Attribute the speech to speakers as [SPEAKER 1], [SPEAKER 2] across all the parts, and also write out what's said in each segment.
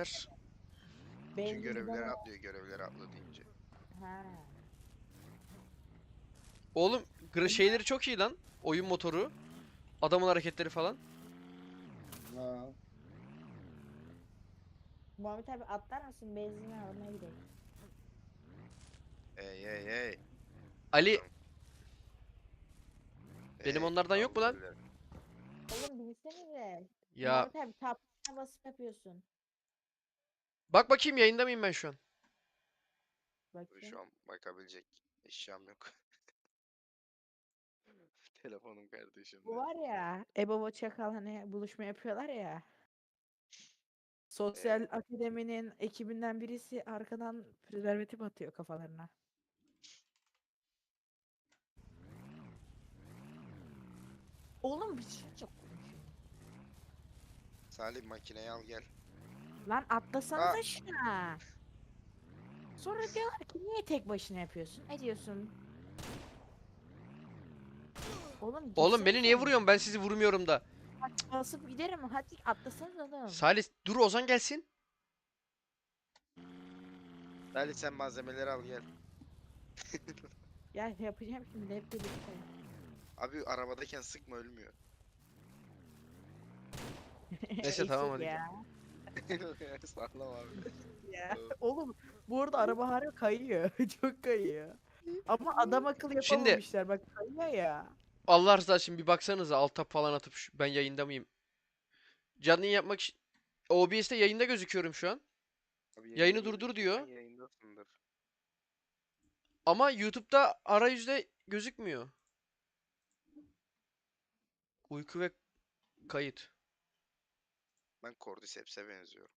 [SPEAKER 1] geçer.
[SPEAKER 2] Bütün
[SPEAKER 3] Benzin
[SPEAKER 2] görevleri
[SPEAKER 3] bidonu.
[SPEAKER 2] atlıyor, görevleri atla deyince.
[SPEAKER 3] Ha.
[SPEAKER 1] Oğlum şeyleri çok iyi lan. Oyun motoru. Adamın hareketleri falan.
[SPEAKER 4] Ha.
[SPEAKER 3] Muhammed abi atlar mısın? Benzini almaya gidelim.
[SPEAKER 2] Hey hey hey.
[SPEAKER 1] Ali
[SPEAKER 2] Tamam.
[SPEAKER 1] benim
[SPEAKER 2] Hey,
[SPEAKER 1] onlardan yok mu
[SPEAKER 2] kaldır
[SPEAKER 1] lan?
[SPEAKER 2] elleri.
[SPEAKER 3] Oğlum bilsenize.
[SPEAKER 1] Ya
[SPEAKER 3] Muhammed abi tapına basıp yapıyorsun.
[SPEAKER 1] bak bakayım yayında mıyım ben şu an?
[SPEAKER 3] Bakayım.
[SPEAKER 2] Şu an bakabilecek eşyam yok. Telefonum
[SPEAKER 3] Bu
[SPEAKER 2] kardeşimde.
[SPEAKER 3] var ya. Ebo Çakal hani buluşma yapıyorlar ya. Sosyal akademinin ekibinden birisi arkadan prezervatif atıyor kafalarına. Oğlum bir şey çok konuşuyor.
[SPEAKER 2] Salih makineyi al gel.
[SPEAKER 3] Lan
[SPEAKER 2] Aa,
[SPEAKER 3] atlasanıza şuna. Sonra diyorlar ki niye tek başına yapıyorsun? Ediyorsun. Oğlum
[SPEAKER 1] Oğlum beni niye
[SPEAKER 3] gitsenize.
[SPEAKER 1] vuruyorsun? Ben sizi vurmuyorum da.
[SPEAKER 3] Basıp giderim. Hadi atlasanız oğlum.
[SPEAKER 1] Salih dur Ozan gelsin.
[SPEAKER 2] Salih sen malzemeleri al gel.
[SPEAKER 3] Ya yapacağım şimdi hep birlikte.
[SPEAKER 2] Abi arabadayken sıkma ölmüyor.
[SPEAKER 1] Neyse tamam hadi.
[SPEAKER 3] Ya.
[SPEAKER 2] Sağlam abi.
[SPEAKER 3] Ya. Oğlum bu arada araba harbi kayıyor. Çok kayıyor. Ama adam akıllı
[SPEAKER 1] Şimdi
[SPEAKER 3] yapamamışlar. Bak kayıyor ya.
[SPEAKER 1] Allah rızası için bir baksanıza alt tab falan atıp ben yayında mıyım? Canlı yayın yapmak için OBS'te yayında gözüküyorum şu an.
[SPEAKER 2] Abi
[SPEAKER 1] Yayını
[SPEAKER 2] yayında
[SPEAKER 1] durdur
[SPEAKER 2] gözüküyorsan
[SPEAKER 1] diyor.
[SPEAKER 2] yayındasındır.
[SPEAKER 1] Ama YouTube'da arayüzde gözükmüyor. Uyku ve kayıt.
[SPEAKER 2] Ben Cordyceps'e benziyorum.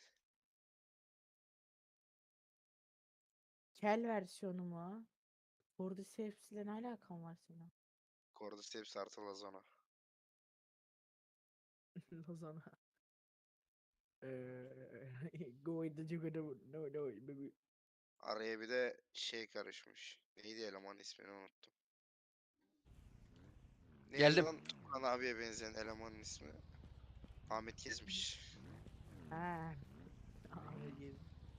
[SPEAKER 3] Kel versiyonu mu? Cordyceps'le ne alakan var senin?
[SPEAKER 2] Cordyceps artı Lazona.
[SPEAKER 3] O zaman. Go in the jungle. No no.
[SPEAKER 2] Araya bir de şey karışmış. Neydi eleman ismini unuttum. Neydi
[SPEAKER 1] Geldim.
[SPEAKER 2] lan Tukan abiye benzeyen elemanın ismi? Ahmet Gezmiş.
[SPEAKER 3] Ha. Abi,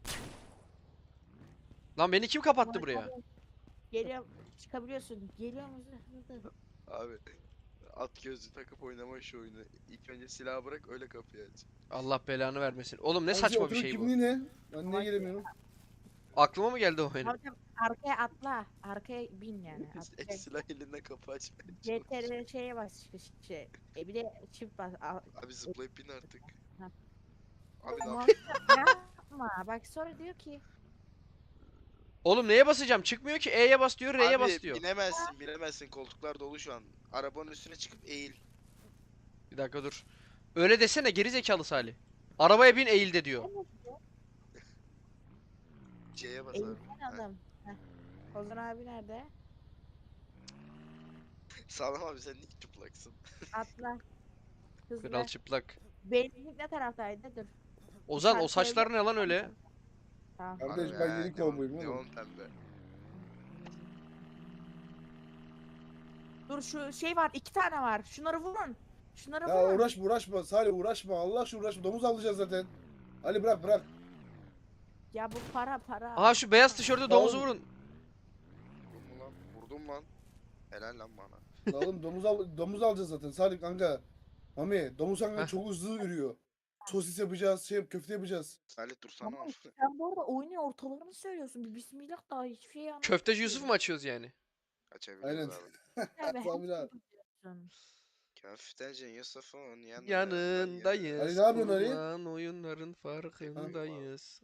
[SPEAKER 1] Lan beni kim kapattı
[SPEAKER 3] Muhammed
[SPEAKER 1] buraya?
[SPEAKER 3] abi, geliyor. Çıkabiliyorsun. Geliyor musun? Hızlı.
[SPEAKER 2] Abi at gözlü takıp oynama şu oyunu. İlk önce silahı bırak öyle kapıyı aç.
[SPEAKER 1] Allah belanı vermesin. Oğlum ne
[SPEAKER 4] Hacı
[SPEAKER 1] saçma bir
[SPEAKER 4] oturun
[SPEAKER 1] şey bu.
[SPEAKER 4] kimliği ne? Ben niye
[SPEAKER 3] Ama-
[SPEAKER 4] gelemiyorum?
[SPEAKER 1] Aklıma mı geldi o benim?
[SPEAKER 3] Muhammed abi, arkaya atla. Arkaya bin yani. Atlayacak.
[SPEAKER 2] Silah elinde kapı açmaya çalış.
[SPEAKER 3] CTRL şeye bas. Şey. Bir de çift bas.
[SPEAKER 2] Abi zıplayıp bin artık.
[SPEAKER 3] Ha.
[SPEAKER 2] Abi ne
[SPEAKER 3] Muhammed
[SPEAKER 2] yapıyorsun?
[SPEAKER 3] abi, yapma. Bak sonra diyor ki.
[SPEAKER 1] Oğlum neye basacağım? Çıkmıyor ki. E'ye bas diyor, R'ye bas
[SPEAKER 2] Abi
[SPEAKER 1] diyor.
[SPEAKER 2] binemezsin koltuklar dolu şu an. Arabanın üstüne çıkıp eğil.
[SPEAKER 1] Bir dakika dur. Öyle desene geri zekalı Salih. Arabaya bin eğilde diyor.
[SPEAKER 2] C'ye bas abi.
[SPEAKER 3] Eğilsen
[SPEAKER 2] Ha.
[SPEAKER 3] adam. Heh. Ozan abi nerede?
[SPEAKER 2] Sağlam abi sen niye çıplaksın?
[SPEAKER 3] Atla.
[SPEAKER 1] Kral
[SPEAKER 3] Hızlı.
[SPEAKER 1] çıplak.
[SPEAKER 3] Benzinlik ne taraftaydı? Dur.
[SPEAKER 1] Ozan o
[SPEAKER 3] İşaretleyebilir
[SPEAKER 1] saçlar ne lan öyle?
[SPEAKER 3] miyim? Tamam.
[SPEAKER 4] Kardeş
[SPEAKER 2] Harbi
[SPEAKER 4] ben
[SPEAKER 2] ha,
[SPEAKER 4] yeni kovboyum
[SPEAKER 2] neon
[SPEAKER 4] oğlum.
[SPEAKER 2] pembe.
[SPEAKER 3] Dur şu şey var. 2 tane var. Şunları vurun. Şunları
[SPEAKER 4] Ya
[SPEAKER 3] vurun.
[SPEAKER 4] uğraşma Salih uğraşma. Allah aşkına uğraşma. Domuz alacağız zaten. Ali bırak.
[SPEAKER 3] Ya bu para.
[SPEAKER 1] Aha şu beyaz tişörtlü domuzu
[SPEAKER 4] oğlum.
[SPEAKER 1] vurun.
[SPEAKER 2] Vurdum mu lan? Vurdum lan. Helal lan bana.
[SPEAKER 4] La oğlum domuz alacağız zaten Salih kanka. Mami domuz kanka
[SPEAKER 1] Heh.
[SPEAKER 4] çok hızlı yürüyor. Sosis yapacağız, köfte yapacağız.
[SPEAKER 2] Salih dursana.
[SPEAKER 3] Tamam. Sen bu arada oyunun ortalarını söylüyorsun. Bir bismillah daha hiçbir şey anlamadım.
[SPEAKER 1] Köfteci Yusuf mu açıyoruz yani?
[SPEAKER 2] Açabiliyoruz
[SPEAKER 4] Aynen.
[SPEAKER 2] abi.
[SPEAKER 3] Abi her
[SPEAKER 4] Tabii
[SPEAKER 3] şeyi
[SPEAKER 4] lan.
[SPEAKER 3] biliyorsun.
[SPEAKER 2] Köfteci Yusuf'un yanındayız.
[SPEAKER 1] Yanındayız.
[SPEAKER 4] Ali ne yapıyorsun Ali?
[SPEAKER 1] Kurulan oyunların farkındayız.